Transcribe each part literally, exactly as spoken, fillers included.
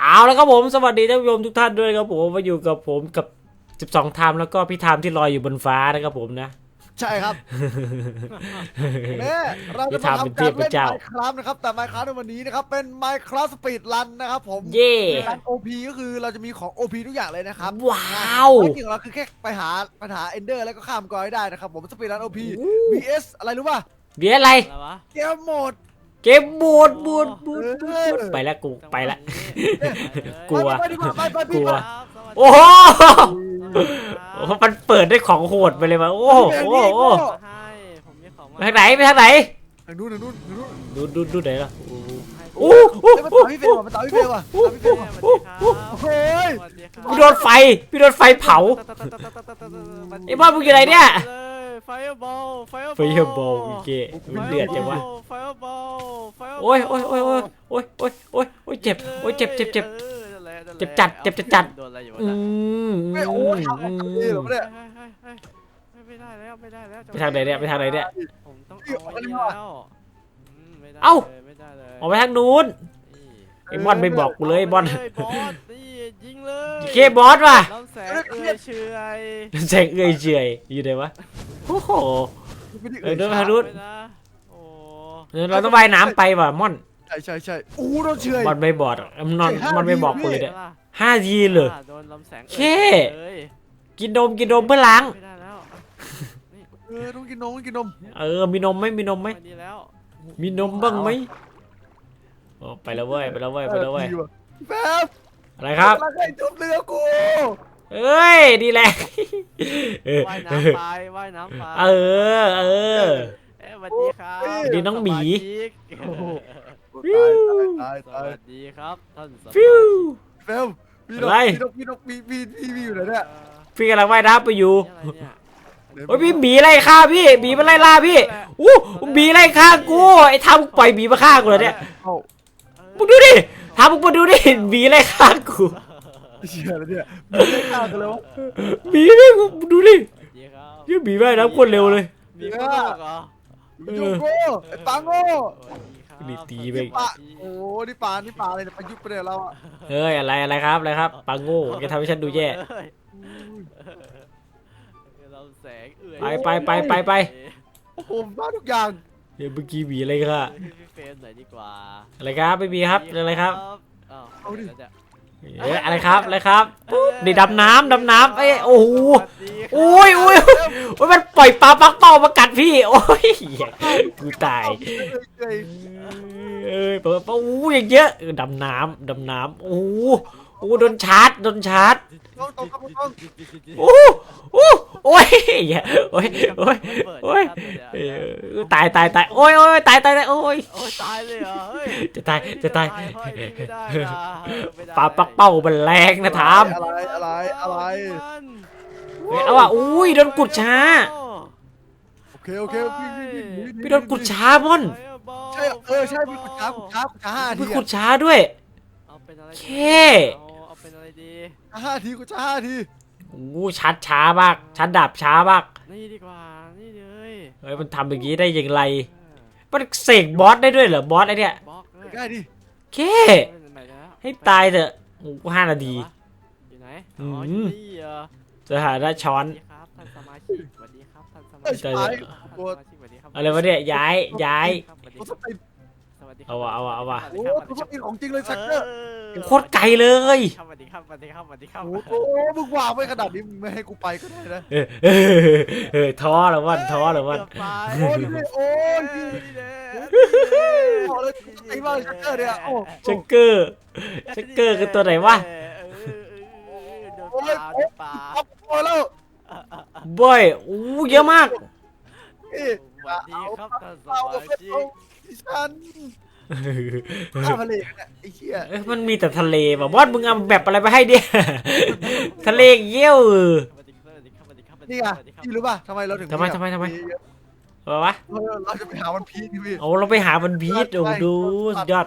เอาแล้วครับผมสวัสดีท่านผู้ชมทุกท่านด้วยครับผมมาอยู่กับผมกับสิบสองไทม์แล้วก็พี่ไทม์ที่ลอยอยู่บนฟ้านะครับผมนะใช่ครับเนี่ยเราจะมาทำการเล่น Minecraft นะครับแต่ Minecraft ในวันนี้นะครับเป็น Minecraft Speed Run นะครับผมเย่การ โอ พี ก็คือเราจะมีของ โอ พี ทุกอย่างเลยนะครับว้าวภารกิจของเราคือแค่ไปหาปัญหา Ender แล้วก็ข้ามกอยได้นะครับผม Speed Run โอ พี บี เอส อะไรรู้ป่ะเบียร์อะไรเกมโหมดเกมบูดบูดบูดบูดไปแล้วกูไปละกลัวไปดีกว่าไปไปกลัวไปโอ้โหโอ้โหมันเปิดได้ของโหดไปเลยว่ะโอ้โหโอ้โหไปทางไหนไปทางไหนทางนู้นทางนู้นทางนู้นดูดูดูไหนล่ะโอ้โหมันต่อพี่เฟลว่ะมันต่อพี่เฟลว่ะต่อพี่เฟลว่ะโอ้ยพี่โดนไฟพี่โดนไฟเผาไอ้บ้ามึงอยู่ไหนเนี่ยไฟบอลไฟไฟบอลอีกเก้มันเดือดจังวะไฟบอลไฟโอ้ยโอ้ยโอ้ยโอ้ยโอ้ยโอ้ยโอ้ยโอ้ยเจ็บโอ้ยเจ็บเจ็บเจ็บ เจ็บจัดเจ็บจัดจัดโดนอะไรอยู่วะอืมไม่โอ้ยทำอะไรเหรอเนี่ยไม่ได้แล้วไม่ได้แล้วไปทางไหนเนี่ยไปทางไหนเนี่ยผมต้องเอาไว้แล้วไม่ได้เอ้าไม่ได้เลยออกไปทางนู้นไอ้บอลไม่บอกกูเลยไอ้บอลบอสนี่ยิงเลยเคบอสว่ะลำแสงเอื้อยเฉยแสงเอื้อยเฉยอยู่ไหนวะโอ้โหเออเดินไปทางนู้นไม่นะโอ้เออเราต้องว่ายน้ำไปว่ะม่อนใช่ใช่ใช่อู้โดนเฉยบอลไม่บอกมันนอนมันไม่บอกกูเลยเนี่ยห้าทีเลยโดนลำแสงเคกินนมกินนมเพื่อล้างไม่ได้แล้วนี่เออต้องกินนมต้องกินนมเออมีนมไหมมีนมไหมไม่ดีแล้วมีนมบ้างไหมโอ้ไปแล้วเว้ยไปแล้วเว้ยไปแล้วเว้ยแป๊บอะไรครับกำลังให้ทุบเรือกูเอ้ยดีแหละเออว่ายน้ำไปว่ายน้ำไปเออเออเอ้ยสวัสดีครับสวัสดีน้องหมีตายสตายวัสดีครับท่านสมาชิกฟิวแป๊บพี่นอะไรกพี่นกพี่นกพี่พี่พี่พี่อยู่ไหนเนี่ยพี่กำลังว่ายน้ำไปอยู่นี่อะไรเนี่ยโอ้ยพี่หมีไล่ฆ่าพี่หมีมันไล่ล่าพี่อู้หมีไล่ฆ่ากูไอ้ทำปล่อยหมีมาฆ่ากูเลยเนี่ยเอ้ามึงดูดิทำมึงมาดูดิหมีไล่ฆ่ากูเชี่ยแล้วเนี่ยไม่ฆ่ากันเลยวะหมีไม่มึงดูดิสวัสดีครับยี่หมีว่ายน้ำโคตรเร็วเลยมีคนโลกเหรอโยโก้ไอ้ปังโง่สวัสดีครับนี่ตีไปปะโอ้นี่ปลานี่ปลาอะไรเนี่ยประยุทธ์ไปเนี่ยเราอะเฮ้ยอะไรอะไรครับอะไรครับปังโง่แกทำให้ฉันดูแย่เฮ้ยเราแสงเอื่อยไปไปไปไปไปโอ้โหบ้าทุกอย่างเดี๋ยวเมื่อกี้หมีอะไรค่ะพี่เฟรมหน่อยดีกว่าอะไรครับไม่มีครับอะไรครับอ้าวเอาดิแล้วจะเอ้ยอะไรครับอะไรครับปุ๊บนี่ดำน้ำดำน้ำเอ้ยโอ้โหสวัสดีครับโอ้ยโอ้ยโอ้ยมันปล่อยปลาปักเป้ามากัดพี่โอ้ยเหี้ยกูตายเอ้ยเอ้ยเปิดปะอู้อย่างเยอะเออดำน้ำดำน้ำโอ้โหโอ้โดนชาร์จโดนชาร์จต้องต้องต้องต้องโอ้โอ้โอ้ยเหี้ยโอ้ยโอ้ยโอ้ยเออตายตายตายโอ้ยโอ้ยตายตายตายโอ้ยโอ้ยตายเลยเหรอเฮ้ยจะตายจะตายเฮ้ยไม่ได้นะไม่ได้ปลาปักเป้ามันแรงนะทามอะไรอะไรอะไรเฮ้ยเอาอ่ะอุ้ยโดนกุดช้าโอเคโอเคพี่พี่พี่พี่โดนกุดช้าม่อนใช่เออใช่พี่กุดช้ากุดช้ากุดช้าห้าทีพี่กุดช้าด้วยเอาเป็นอะไรเคเอาเอาเป็นอะไรดีห้าทีกุดช้าห้าทีโอ้ชัดช้ามากชัดดับช้ามากนี่ดีกว่านี่เลยเฮ้ยมันทำอย่างนี้ได้อย่างไรมันเสกบอสได้ด้วยเหรอบอสไอเนี่ยบล็อกเลยง่ายดิเคไปแล้วให้ตายเถอะโอ้ห้านาทีอยู่ไหนอือ๋มออยู่นี่เหรอจะหาได้ช้อสนวัสดีครับท่านสมาชิกสวัสดีครับท่านสมาเอ้ยชิกไปท่านสมาชิกสวัสดีครับอะไรวะเนี่ยย้ายย้ายสวัสดีตัวคสรับติสวัสดีเอาวะเอาวะเอาวะโอ้ตัวสติของจริงเลยสักเกอร์โคตรไกลเลยสวัสดีครับสวัสดีครับสวัสดีครับโอ้โหมึงวางไว้ขนาดนี้มึงไม่ให้กูไปก็ได้นะเออเออเออท้อแล้ววันท้อแล้ววันโอ้ยโอ้ยนี่เลยบอกเลยไอ้บ้าชักเกอร์เนี่ยโอ้ชักเกอร์ชักเกอร์คือตัวไหนวะโอ้ยป่าเอาพอแล้วบอยอู้เยอะมากเอ๊ะสวัสดีครับท่านสเอามาเอาชิเอากดิฉันข้าวทะเลเนี่ยไอ้เหี้ยเอ้ยมันมีแต่ทะเลว่ะบอสมึงเอาแบบอะไรไปให้เนี่ยทะเลเยี่ยวเออนี่ไงพี่รู้ป่ะทำไมเราถึงทำไมทำไมทำไม เอาวะเราจะไปหาวันพีคพี่เอาเราไปหามันบีทโอ้ดูสุดยอด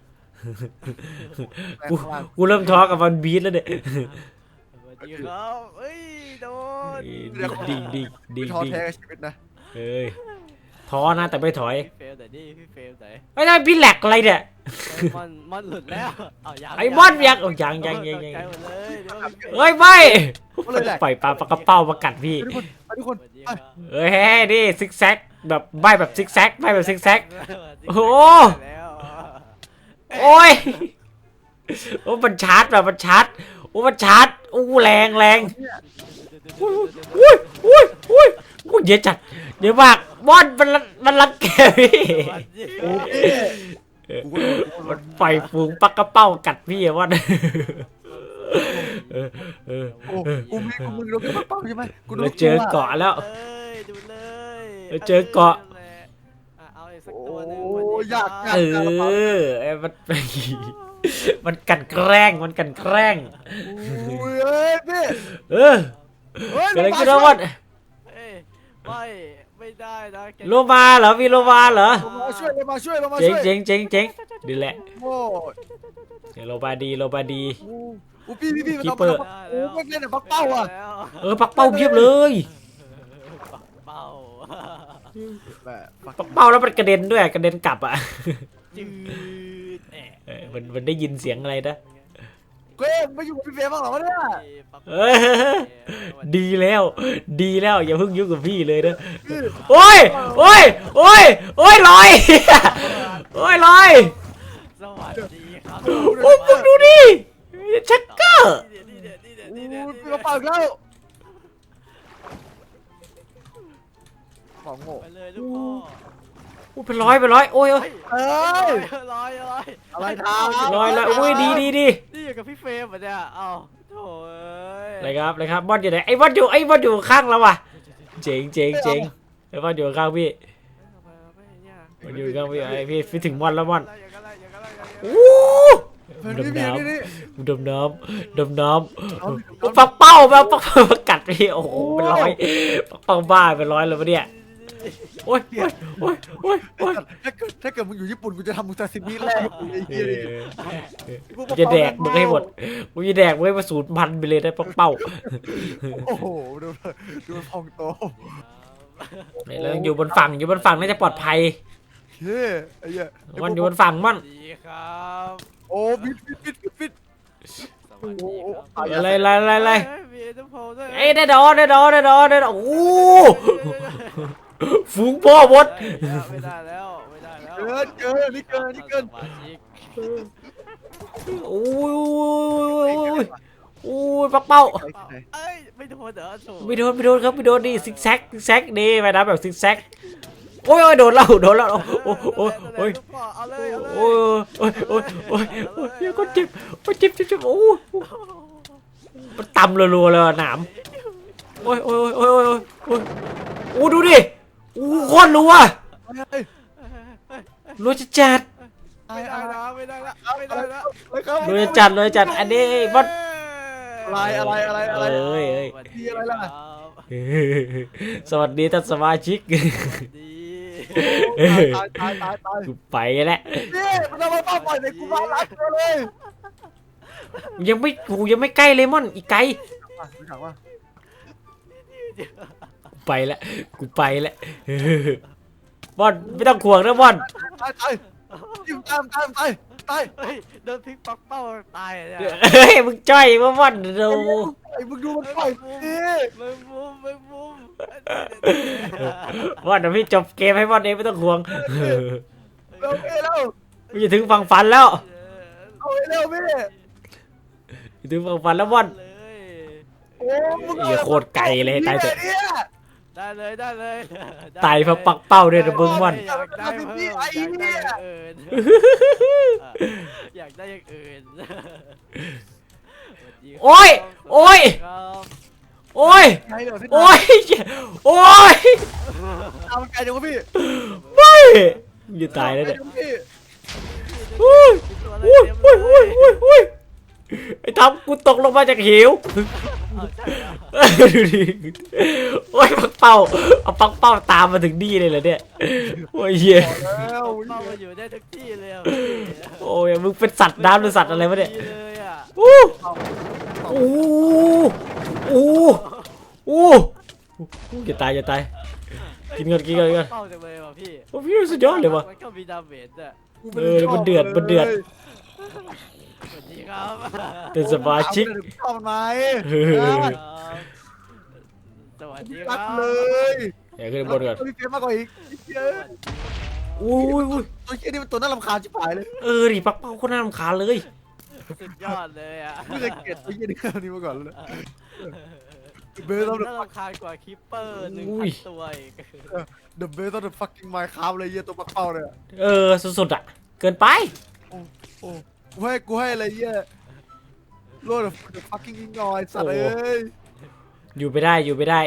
กูกูเริ่มท้อกับมันบีทแล้วเนี่ยสวัสดีครับเอ้ยโดนดิ่งดิ่งดิ่งดิ่งท้อดิ่งแท้กับชีวิตนะเอ้ยทท้อนะแต่ไม่ถอยพี่เฟลแต่นี่พี่เฟลแต่ไม่ได้พี่แหลกอะไรเนี่ยมอนมอนหลุดแล้วเอายังไอ้มอนยังเอายังยังยังยังตกใจหมดเลยเดี๋ยวพี่ฟลเฮ้ยไม่ก็เลยแหละปล่อยปลาปลากระเป้ามากัดพี่ทุกคนไปทุกคนสวัสดีไปครับเอ้ยนี่ซิกแซกแบบใบแบบซิกแซกใบแบบซิกแซก โอ้โหแล้วโอ้ยโอ้มันชาร์จแบบมันชาร์จโอ้มันชาร์จโอ้แรงแรงอุ้ยอุ้ยอุ้ยอุ้ยเยอะจัดเยอะมากบอลมันมันรังแกพี่สวัสดีโอ้พี่กูก็โดนกูก็โดมัน นปล่อยฝูงปลากระเป้ากัดพี่อะบอลเออเออโอ้กูมีกูมึงโดนกระเป๋าใช่ไหมกูโดนเราเจอเกาะแล้วเอ้ยดูเลยเราเจอเกาะอ่ะเอาอีกสักตัวหนึงโอ้ยากเออไอ้มัน มันกันแกล้งมันกันแกล้งโอ้ยเอ้ยพี่เออเฮ้ยเกิดอะไรขึ้นนะบอลเอ้ยไม่ไม่ได้นะแกโลมาเหรอมีโลมาเหรอลงมาช่วยลงมาช่วยลงมาเจ๋งช่วยเจ๋งเจ๋งเจ๋งดีแหละโอ้ยเดี๋ยวโลบาดีโลบาดีโอ้พี่พี่พี่มันคีเอาเปอร์มาโอ้ไม่เล่นแต่ปักเป้าอ่ะแล้วเออปักเป้าเพียบเลยปักเป้าแหม่ปักปักเป้าแล้วมันกระเด็นด้วยกระเด็นกลับอ่ะจืดแอะเออมันมันได้ยินเสียงอะไรนะเก้ยไม่อยู่กับพี่เฟย์บ้างเหรอวะเนี่ยปักเอเป้าอดีแล้ว ดีแล้วอย่าเพิ่งยุ่งกับพี่เลยนะโอ้ยโอ้ยโอ้ยโอ้ยลอยโอ้ยลอยสวัสดีครับโอ้มึงดูดิชักเกอร์นี่เด็ดนี่เด็ดโอ้นี่เด็ดยนี่พี่เด็มาดเป่าอีกแล้วของโง่ไปเลยลูกพ่อโอ้เป็นร้อยเป็นร้อยโอ้ยโอ้ยเอ้ลอยยลอยลอยอะไรครับลอยแล้วโอ้ยดีดีดีนี่อยู่กับพี่เฟรมเหรอเนี่ยเอ้าโถ่เอ้ยอะไรครับอะไรครับบอลอยู่ไหนไอ้บอลอยู่ไอ้บอลอยู่ข้างเราว่ะเจ๋งเจ๋งเจ๋งไอ้บอลอยู่ข้างพี่ทำไมไม่เนี่ยบอลอยู่ข้างพี่ไอ้พี่พี่ถึงบอลแล้วบอลอย่างนั้นอย่างนั้นอย่างนั้นโอ้เฮ้ยดนี่มนี่น้นี่นี่ำดมน้ำดมน้ำโอ้ปักเป้ามาปักเป้ามากัดพี่โอ้โหเป็นร้อยปักเป้าบ้าเป็นร้อยเลยวะเนี่ยโอ้ยโอ้ยโอ้ยโอ้ยโอ้ยถ้าเกิดถ้าเกิดมึงอยู่ญี่ปุ่นกูจะทำมึงซาซิมิแรกไอ้เหี้ยเลยกูจะแดกมึงให้หมดกูจะแดกมึงให้มาสูญพันธุ์ไปเลยนะปักเป้าโอ้โหดูดูมันพองโตแล้วอยู่บนฝั่งอยู่บนฝั่งน่าจะปลอดภัยเฮ้ยไอ้เหี้ยมันอยู่บนฝั่งมันสวัสดีครับโอ้ฟิตฟิตฟิตฟิตฟิตสวัสดีครับอะไรอะไรอะไรอะไรเฮ้ยมีเอ็นเตอร์โพลด้วยเอ้ยได้ดอได้ดอได้ดอได้ดอโอ้โหฝูงพ่อมดไม่ได้แล้วไม่ได้แล้วเกินเกินนี่เกินนี่เกินสมาชิกโอ้ยโอ้ยปักเป้าเอ้ยไม่โดนเหรอโถ่ไม่โดนไม่โดนครับไม่โดนดิซิกแซกซิกแซกดีไปนะแบบซิกแซกโอ้ยโอ้ยโดนแล้วโดนแล้วโอ้โอ้โอ้โอ้ยลูกพ่อเอาเลยเอาเลยโอ้ยโอ้ยโอ้ยโอ้ยโอ้ยเดี๋ยวก็เจ็บโอ้ยเจ็บเจ็บเจ็บโอ้ยมันตำรัวๆเลยหนามโอ้ยโอ้ยโอ้ยโอ้ยโอ้ยโอ้ยโอ้ดูดิโอ้โคตรรัวรัวจัดจัดไม่ได้นะไม่ได้ละไม่ได้ละรัวจัดจัดรัวจัดอันนี้บอสอะไรอะไรอะไรอะไรเอ้ยเอ้ยสวัสดีอะไรล่ะครับสวัสดีท่านสมาชิกสวัสดีตายตายตายตายกูไปแล้วนี่มันเอามาเป้าปล่อยในกูมาล้างตัวเลยยังไม่กูยังไม่ใกล้เลยมอนอีกไกลมาดูถามว่ากูไปแล้วกูไปแล้วบอลไม่ต้องห่วงนะบอลตายตายจิ้มตามตามตายตายเฮ้ยโดนพลิกปักเป้าตายอะเนี่ยเฮ้ยมึงจ้อยมาบอลดูไอ้มึงดูมันปล่อยดิไม่มุมไม่มุมบอลเดี๋ยวพี่จบเกมให้บอลเองไม่ต้องห่วงเร็วพี่เร็วมึงจะถึงฝั่งฝันแล้วเอาให้เร็วพี่จะถึงฝั่งฝันแล้วบอลเลยโอ้มึงเหี้ยโคตรไกลเลยตายเถอะเนี่ยได้เลยได้เลยตายเพราะปักเป้าด้วยนะมึงบอลอยากได้เพิ่มอยากได้อย่างอื่นอยากได้อย่างอื่นโอ้ยโอ้ยครับโอ้ยไงเดี๋ยวพี่โอ้ยโอ้ยเอามันไกลจังวะพี่ไม่มึงจะตายแล้วเนี่ยพี่อุ้ยตัวอะไรอุ้ยเต็มเลอุ้ยอุ้ยยอุ้ยอุ้ยไอ้ทำกูตกลงมาจากหิวเอาใช่เหรอดูดิโอ้ยปักเป้าเอาปักเป้าตามมาถึงนี่เลยเหรอเนี่ยโอ้ยเหี้ยแล้วเข้ามาอยู่ได้ทุกที่เลยอะโอ้ยมึงเป็นสัตว์น้ำหรือสัตว์อะไรวะเนี่ยดีเลยอะอู้อู้อู้อู้จะตายจะตายกินก่อนกินก่อนกินก่อนเป้าจังเลยว่ะพี่โอ้พี่สุดยอดเลยว่ะมันก็มีดาเมจอ่ะเออมันเดือดมันเดือดสวัสดีครับเป็นสมาชิกชอบมันไหมเออครับสวัสดีครัรักบเลยเดี๋ยวขึ้นบนก่อนพี่เฟียมากกว่าอีกเยอะอุ้ยอุ้ยตัวเชี่ยนี่มันตัวน่ารำคาญชิบหายเลยเออดิปักเป้าคนน่ารำคาญเลยสุดยอดเลยอ่ะไม่เคยเกลียดตัวเชี่ยนี่ขนาดนี้มาก่อนเลยเบสต้ต้ออง งน่ารำคาญกว่าคิปเปอร์หนึ่งพันตัวอีก The best of the fucking Minecraft เลยเยี่ยตัวปักเป้าเลยเออสุดๆอ่ะเกินไปโอ้โอ้กูให้กูให้อะไรเยี่ยโลด the fucking ignoy สัตว์เอ้ยอยู่ไม่ได้อยู่ไม่ได้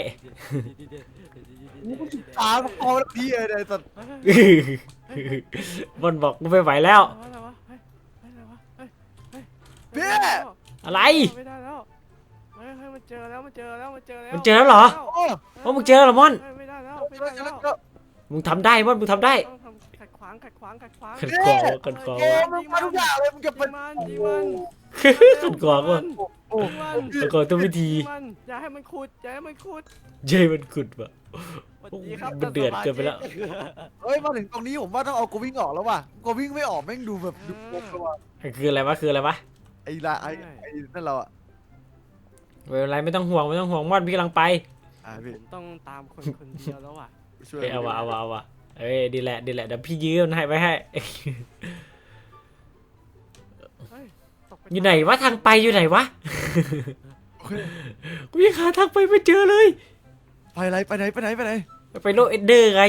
ตาปักเป้าแล้วพี่เลยสัตว์บอลบอกกูไม่ไหวแล้วอะไรวะเฮ้ยอะไรวะเฮ้ยเฮ้ยเบี้ยอะไรไม่ได้แล้วเฮ้ยเฮ้ยมันเจอแล้วมันเจอแล้วมันเจอแล้วมันเจอแล้วเหรอโอ้ว่ามึงเจอแล้วเหรอมอนเฮ้ยไม่ได้แล้วไม่เจอได้แล้แล้ว วมึงทำได้มอนมึงทำได้ต้องทำขัดขวางขัดขวางขัดขวางขัดขวางขัดขวางโอ้มึงมาทุกอย่างเลยมึงจะยิเป็นงมันยิงมันขัดขวางว่ะโอ้ยิงมันขัดขวางทุกวิธียิงมันอย่าให้มันขุดอย่าให้มันขุดเย้มันขุดว่ะสวัสดีครับมันเดือดเกินไปแล้วเฮ้ยมาถึงตรงนี้ผมว่าต้องเอากูวิ่งออกแล้วว่ะกูวิ่งไม่ออกแม่งดูแบบดูโป๊ะเลยว่ะคืออะไรวะคืออะไรวะไอ้ละไอ้ไอ้นั่นเราอ่ะไม่เป็นไรไม่ต้องห่วงไม่ต้องห่วงมอนพี่กำลังไปอ่าพี่ผมต้องตามคนคนเดียวแล้วอ่ะช่วยเอ้ยเอาวะเอาวะเอาวะเอ้ยดีแหละดีแหละเดี๋ยวพี่ยืมให้ไว้ให้เฮ้ยตกปอยู่ไหนวะทางไปอยู่ไหนวะโอเคกูยังหาทางไปไม่เจอเลยไปไหนไปไหนไปไหนไปไหนไปโลกเอ็นเดอร์ไง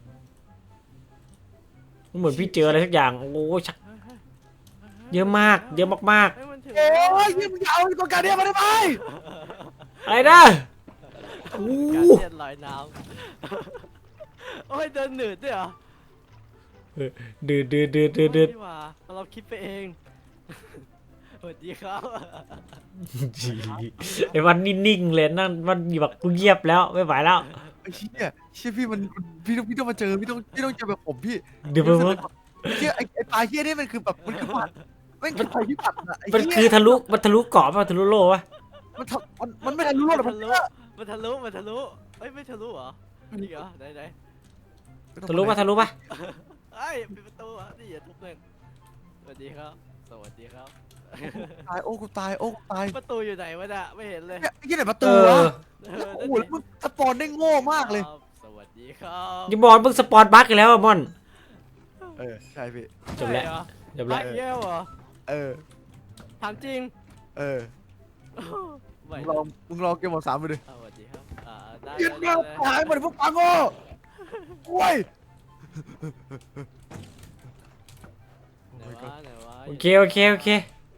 เหมือนพี่เจออะไรสักอย่างโอ้ยชักเฮ้ยเฮ้ยเยอะมากเยอะมากเฮ้ยมันถึงโอ้ยยิ่งมึงจะเอาตัวการเดียมาได้ไหมๆอะไรนะโอ้การเลียนลอยน้ำโอ้ยเดินหนืดด้วยเหรอดืดดืดดืดดืดดืดโอ้ยนี่หว่าเราคิดไปเองสวัสดีครับไอ้วันนิ่งๆเลยนั่นวันแบบกูเงียบแล้วไม่ไหวแล้วไอ้เชี่ยเชี่ยพี่มันพี่ต้องพี่ต้องมาเจอพี่ต้องพี่ต้องเจอแบบผมพี่เดี๋ยวมันเชี่ยไอ้ไอ้ปลาเชี่ยนี่มันคือแบบมันคือผัดมันคือภัยพิบัติอะไอ้มันเชี่ยคือทะลุมันทะลุเกาะป่ะทะลุโลกป่ะมันทำมันมันไม่ทันรู้หรอกมัมัน นทะลุเยอะมันทะลุมันทะลุเอ้ยไม่ทะลุเหรอนี่เหรอไหนไหนทะลุป่ะทะลุป่ะเอ้ยปิดประตูอ่ะนี่อย่าทุบเลยสวัสดีครับสวัสดีครับตายโอ้กูตายโอ้กูตายประตูอยู่ไหนวะน่ะไม่เห็นเลยเนี่ยไอ้เชี่ยไหนประเอตูอวะเออโอ้โหแล้วมึงสปอนได้โง่มากเลยครับสวัสดีครับอย่าบอกมึงสปอนบั๊กกันแล้วอะมอนเออใช่พี่จบแล้วใช่เหรอจบแล้วไอ้เหี้ยเหรอเออถามจริงเออไหวมึงลองมึงลองเกมหมดสามไปดิอ่าสวัสดีครับอ่าได้ยืนได้มาได้ตายหมดพวกปังโง่โอ้ยไหนวะไหนวะโอเคโอเคโอเค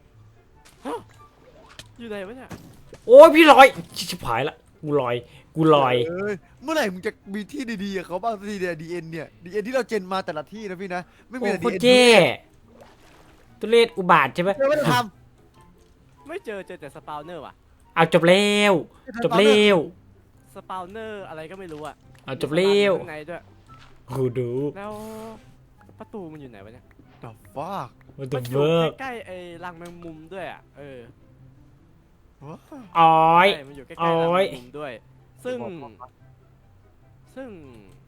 อยู่ไหนวะเนี่ยโอ้ยพี่ลอยชิบหายละกูลอยกูลอยเอ้ยเมื่อไหร่มึงจะมีที่ดีๆกับเขาบ้างสักทีเนี่ยดีเอ็นเนี่ยดีเอ็นที่เราเจนมาแต่ละที่นะพี่นะไม่มีโอ้แต่โคดีตรเอ็นเท่ตุเรศอุบาทใช่ไหมเจอไม่ได้ทไม่เจอเจอแต่สปาวเนอร์ว่ะเอาจบแล้วำจบแล้วสปาวเนอร์อะไรก็ไม่รู้อ่ะเอาจบแล้วมีสลามอยู่ข้างในด้วยกูดูแล้วประตูมันอยู่ไหนวะเนี่ยดับฟ้ามันมัจะนอเวิยู่ร์กใกล้ๆไอ้รังแมงมุมด้วยอ่ะเออว้าอ้อยใช่มันอยู่ใกล้ๆรังโอ้แมยงมุมด้วย ซึ่ง ซึ่ง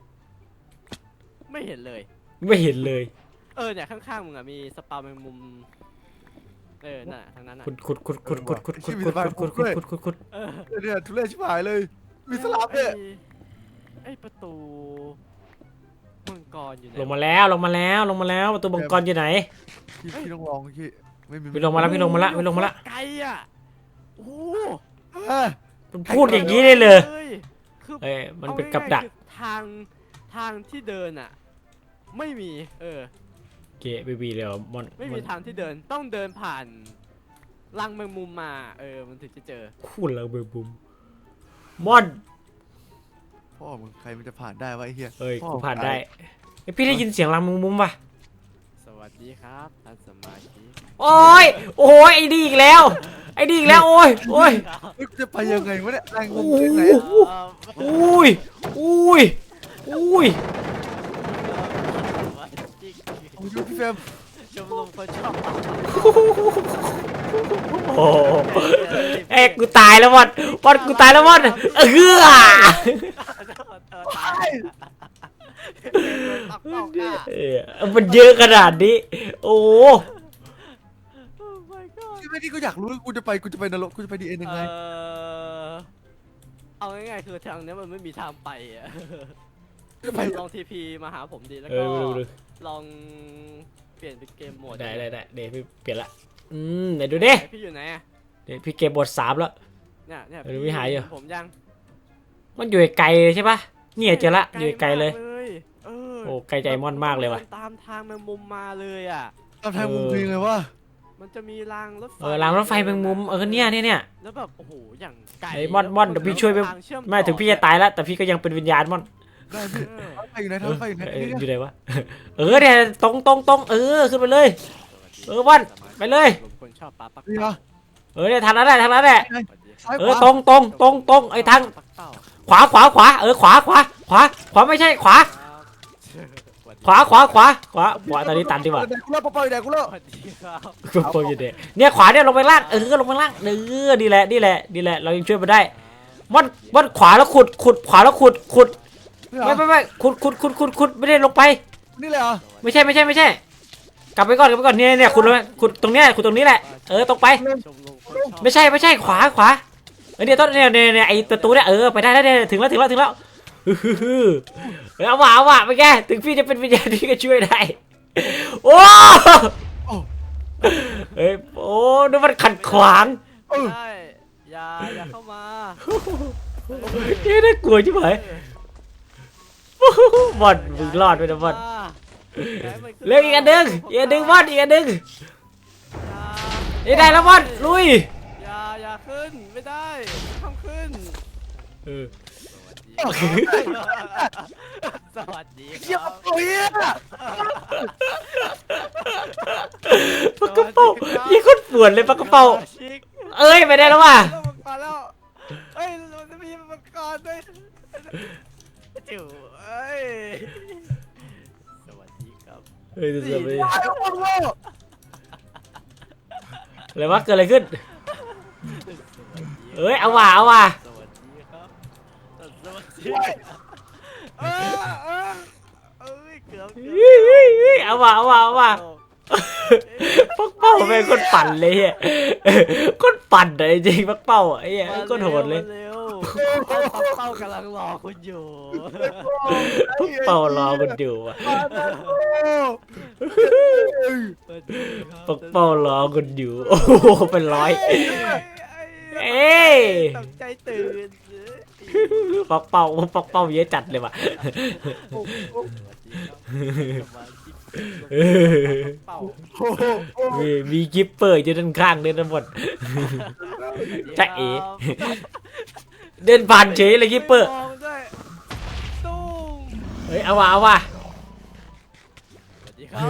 ไม่เห็นเลยไม่เห็นเลยเออเนี่ยข้างๆมึงอ่ะมีสปาวแมงมุม เออน่ะทางนั้นอ่ะขุดขุดขุดขุดขุดขุดขุดขุดขุดขุดขุดขุดขุดขุดเออเนี่ยทุเรศชิบหายเลย มีสลับเนี่ยไอ้ไอ้ประตูมังกรอยู่ไหนลงมาแล้วลงมาแล้วลงมาแล้วประตูบังกรอยู่ไหนพี่พี่ต้องลองพี่ไม่มีพี่ลงมาแล้วพี่ลงมาแล้วพี่ลงมาแล้วไกลอ่ะโอ้โหอ่ะมันพูดอย่างนี้ได้เลยคือเอ้ยมันเป็นกับดักอาง่ายๆคือทางทางที่เดินอ่ะ ไม่มี เออเกะบีบีเดี๋ยวมอนไม่มีทางที่เดินต้องเดินผ่านรังแมงมุมมา เออ มันถึงจะเจอพูดแล้วเบอร์บุมมอนพ่อมึงใครมันจะผ่านได้วะไอ้เหี้ยเอ้ยพ่อกูผ่านได้ไอยพี่ได้ยินเสียงรังมุมมุมป่ะสวัสดีครับท่านสมาชิกโอ้ยโอ้ยไอ้ดีอีกแล้ว ไอ้ดีอีกแล้วโอ้ยโอ้ยเฮ้ยจะไปยังไงวะเนี่ยแรงงโอ้มโหที่ไหนเอ่ออุ้ยอุ้ยอุ้ยสมาชิกโอ้ยพี่เฟรมชมรมคนชอบโอ้เอ้ยกูตายแล้วมอนมอนกูตายแล้วมอนเออโทษโทษตายตับเป้าค่ะเออมันเยอะขนาดนี้ โอ้โอ้ my god ที่ไม่ที่กูอยากรู้กูจะไปกูจะไปนรกกูจะไปดีเอ็นยังไงเออเอาง่ายๆคือทางเนี้ยมันไม่มีทางไปอ่ะจะไปลองทีพีมาหาผมดีแล้วเอก็อดูดูลองเปลี่ยนเป็นเกมโหมดได้ได้ได้เดี๋ยวพี่เปลี่ยนละอืมไหนดูดิไหนพี่อยู่ไหนอะเดี๋ยวพี่เกมบทสามแล้วเนี่ยเนี่ยเออพี่หายอยู่ผมยังมันอยู่ไกลเลยใช่ปะเนี่ยเจอละอยู่ไกลเลยมากเออโอ้ไกลใจม่อนมากเลยว่ะดินตามทางแมงมุมมาเลยอ่ะตามทางมุมเพลงเลยว่ามันจะมีรางรถไฟเออรางรถไฟแมงมุมเออเนี่ยเนี่ยเนี่ยแล้วแบบโอ้โหอย่างไกลไอ้ม่อนม่อนเดี๋ยวพี่ช่วยไปทางเชื่อไม่ถึงพี่จะตายแล้วแต่พี่ก็ยังเป็นวิญญาณม่อนได้พี่เออทางไปอยู่ไหนทางไปอยู่ไหนเออนี่อยู่ไหนวะเออเนี่ยตรงตรงตรงเออขึ้นไปเลย เออม่อนไปเลยผมคนชอบปลาปักนี่เหรอเออเนี่ยทางนั้นแหละทางนั้นแหละซ้ายเอขอวาตรงตรงตรงตรงไอ้ทางปักเป้าขวาขวาขวาเออขวาขวาขวาขวาไม่ใช่ขวา ขวาขวาขวาขวาขวาตอนนี้ตันดีกว่าแดกกูเลิกปล่อยแดกกูเลิกสวัสดีครับคุณโปรอยู่เด็กเนี่ยขวาเนี่ยลงไปล่างเออลงไปล่างเออดีแหละดีแหละดีแหละเรายังช่วยมาได้ม่อนม่อนขวาแล้วขุดขุดขวาแล้วขุดขุดนี่เหรอไม่ไม่ไม่ขุดขุดขุดขุดขุดไม่ได้ลงไปนี่เลยเหรอไม่ใช่ไม่ใช่ไม่ใช่ กลับไปก่อนกลับไปก่อนเนี่ยเนี่ยขุดลงไปขุดตรงเนี้ยขุดตรงนี้แหละเออตรงไปชมรมคนชอบไม่ใช่ไม่ใช่ขวาขวาเออเนี่ยต้นเนี่ยเนี่ยเนี่ยไอประตูเนี่ยเออไปได้แล้วเนี่ยถึงแล้วถึงแล้วถึงแล้วฮึ่มฮึ่มเอาว่ะเอาว่ะไปแกถึงพี่จะเป็นวิญญาณพี่ก็ช่วยได้โอ้โอ้เฮ้ยโอ้นี่มันขัดขวางเออใช่อย่าอย่าเข้ามาเฮ้ยน่ากลัวชิบหายบอลมึงรอดไปนะบอลเร็วอีกอันหนึ่งอีกอันหนึ่งบอลอีกอันหนึ่งนี่ได้แล้วบอลลุยอย่าอย่าขึ้นไม่ได้ห้ามขึ้นเออสวัสดีคเยี่ยรัมบโอ้ยปากกระเป๋ายี่คนปวดเลยปากกระเป๋าชิคเอ้ยไปได้แล้วว่ะแล้วมังกรแล้วเอ้ยมันจะมีมังกรด้วยจิ๋วเอ้ยสวัสดีครับเฮ้ยจะไปตายแล้วโอ้โหอะไรวะเกิดอะไรขึ้นเอ้ยเอาว่ะเอาว่ะสวัสดีครับสวัสดีเออเออเอ้ยเกือบเกือบเฮ้ยเฮ้ยเฮ้ยเอาว่ะเอาว่ะเอาว่ะปักเป้าแม่งคนปั่นเลยเฮียคนปั่นเลยจริงปักเป้าไอ้เหี้ยคนโหดเลยมาเร็วเป้ากำลังรอคุณอยู่ปักเป้ารอกันอยู่ว่ะปักเป้ารอกันอยู่โอ้โหเป็นร้อย เอ้ยตกใจตื่นปักเป้าปักเป้าเยอะจัดเลยว่ะ เออเป่ามีมีกิปเปอร์อยู่ด้านข้างด้วยทั้งหมดจ๊ะเอ๋ เดินผ่านเฉยเลยกิปเปอร์มองด้วยตุ้มเฮ้ยเอาว่ะเอาว่ะสวัสดีครับ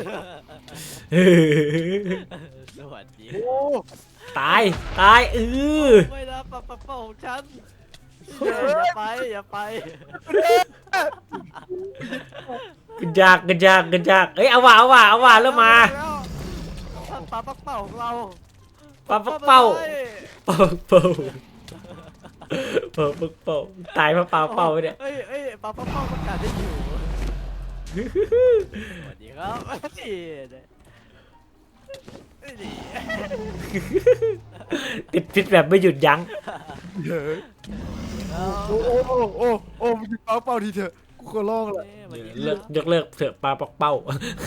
สวัสดีโอ้ตายตายเออไม่นะปะปะเป่าของฉันอย่าไปอย่าไปกระจากกระจากกระจากเอ้ยเอาว่ะเอาว่ะเอาว่ะเริ่มมาท่านปลาปักเป่าของเราปลาปักเป้าเป้าเป้าเป้าปักเป้าตายเพราะปลาเป้าเนี่ยเอ้ยเอ้ยปลาปักเป่าต้องการได้อยู่สวัสดีครับนี่นี่ติดพิษแบบไม่หยุดยั้งโอ้โอ้โอ้โอ้โอ้มึงเป้าเป้าทีเถอะกูขอร้องละเลิกยกเลิกเถอะปลาปักเป้า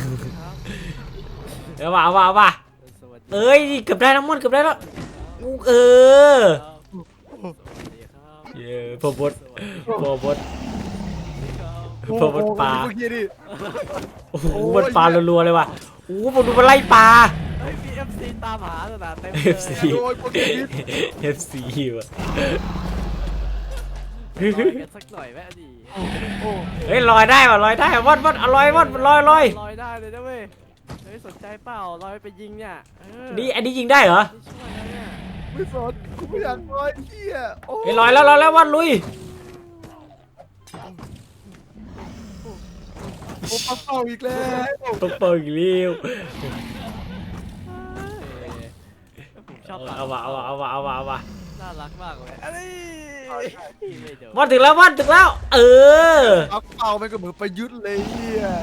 เอาว่ะเอาว่ะเอาว่ะเอ้ยเกือบได้น้ำมันเกือบได้แล้วเออเย้พอบดพอบดพอบดปลาเมื่อกี้ดิโอ้โหมันปลารัวๆเลยว่ะโอ้โหผมดูมันไล่ปลาเฮ้ยมีเอฟซีตามหาขนาดเต็มเอฟซีโอ้ยพวกนี้เอฟซีว่ะกันสักหน่อยแม่ดีโอ้เฮ้ยลอยได้ว่ะลอยได้ว่ะวัดวัดอร่อยวัดลอยลอยลอยได้เลยนะเว้ยเฮ้ยสนใจเปล่าลอยไปยิงเนี่ยเออนี่อันนี้ยิงได้เหรอนี่ช่วยแล้วเนี่ยไม่สนกูไม่อยากลอยเหี้ยโอ้เฮ้ยลอยแล้วลอยแล้ววัดลุยโอ้เป้าเป้าอีกแล้วปักเป้าอีกเลี้ยวผมชอบปลาเอาว่ะเอาว่ะเอาว่ะเอาว่ะเอาว่ะน่ารักมากเลยอันนี้เไม่โดนมอนถึงแล้วมอนถึงแล้ว เออเอาเป่ามันก็เหมือนประยุทธ์เลยเฮีย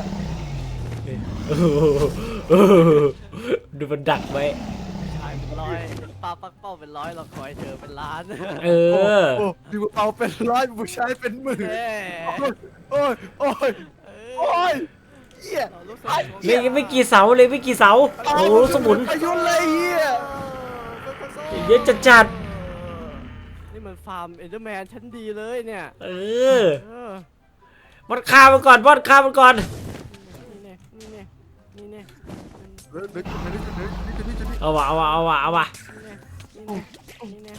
ดูมันดักไว้ชายเป็นร้อยปลาปักเป้าเป็นร้อยเราคอยเธอเป็นล้านเออโอ้ดูเป่าเป็นร้อยผู้ชายเป็นหมื่นเอ้ยโอ้ยโอ้ยเอโอ้ยเฮียเรารู้สึกเลยไม่กี่เสาเลยไม่กี่เสา โอ้โหสมุนประยุทธ์เลยเฮียเยอะจัดจัดนี่มันฟาร์มเอเดอร์แมนชั้นดีเลยเนี่ยๆเออเออมอนฆ่ามันก่อนมอนฆ่ามันก่อนนี่เนี่ยนี่เนี่ยนี่เนี่ยเฮ้ยเฮ้ยเฮ้ยเฮ้ยเฮ้ยเฮ้ยเฮ้ยเฮ้ยเอาวะเอาวะเอาวะเอาวะนี่เนี่ย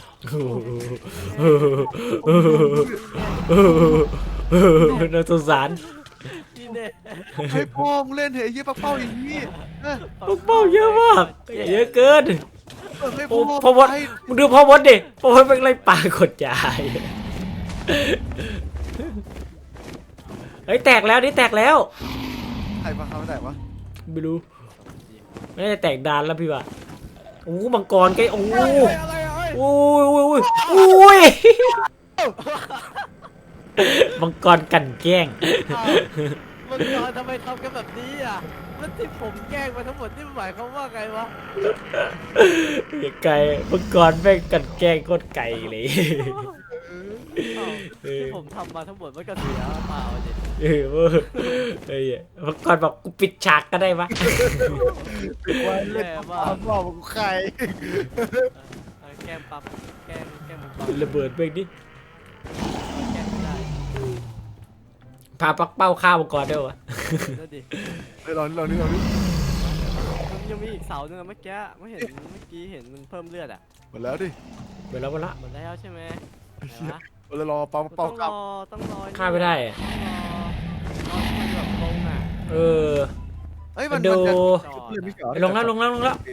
น่าสงสารนี่เนี่ยให้พ่อมึงเล่นเถอะไอ้เหี้ยปักเป้าอย่างนี้เออลูกเป้าเยอะมากเยอะเกินเออให้โอ้พ่อพ่อมดให้มึงดูพ่อมดดิพ่อมดเป็นไรป่ากดยายเฮ้ยแตกแล้วนี่แตกแล้วใครมาทำแต่วะไม่รู้ไม่ได้แตกดานแล้วพี่ว่ะโอ้มังกรใกล้โอ้เฮ้ยอะไรอ่ะเฮ้ยโอ้ยโอ้ยโอ้ยมังกรกันแกล้งมันตอนทำไมทำกันแบบนี้อ่ะมันที่ผมแกล้งมาทั้งหมดนี่มันหมายความว่าไงวะไก่มังกรแม่งกันแกล้งโคตรไก่เลยอ้าวเออที่ผมทำมาทั้งหมดมันก็เสียเปล่าดิเออเว้ยเฮ้ยมังกรบอกกูปิดฉากก็ได้ปะวันเล่นแย่ปักมากเป้าของใครเออแกล้งปั๊บแกล้งแกล้งมันปั๊บระเบิดเบ้งดิแกล้งไม่ได้พาปักเป้าฆ่ามังกรได้วะนั่นดิเฮ้ยเราเรานี่เรานี่มันยังมีอีกเสาหนึงอะเมื่อกี้ไม่เห็นเมื่อกี้เห็นมันเพิ่มเลือดอ่ะหมดแล้วดิเปิดแล้วหมดละหมดแล้วใช่ไหมไหนวะเรารอเป่าต้เป่าองกรลับอต้องรอฆ่าไม่ได้อะต้องรอรอให้มันแบบลงอ่ะเออเฮ้ยมันดูมันจะจอดเล่นไม่เกี่ยวลงแล้วลงแล้วลงแล้ว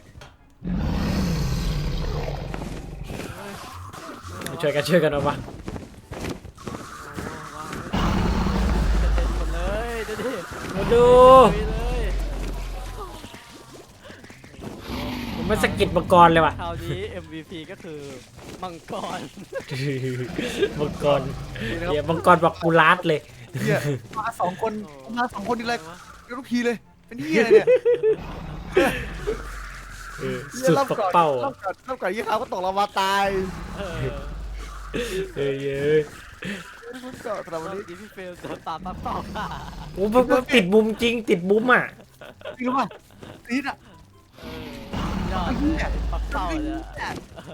ช่วยกันช่วยกันเอาปะจะเต็มหมดเลยดูดิมาดูลุยเลยมันไม่สะกิดมังกรเลยว่ะคราวนี้ เอ็ม วี พี ก็คือมังกรมังกรเดี๋ยวมังกรบอกกูลาดเลยเนี่ยมาสองคนมาสองคนนี่แหละเดี๋ยวทุกทีเลยเป็นที่อะไรเนี่ยเออสุดปักเป้าเล่าอะก่อนเล่าก่อนยี่ห้าก็ตกเรามาตายเออเอ้ยเอ้ยมันก็สำหรับวัวัน นนี้นี้พี่เฟลโดนปาปักเป้าค่ะโอ้มันมันติดมุมจริงติดมุมอ่ะจริงหรือเปล่าตีดอ่ะเออยอดเลยปักเป้าเลยอะ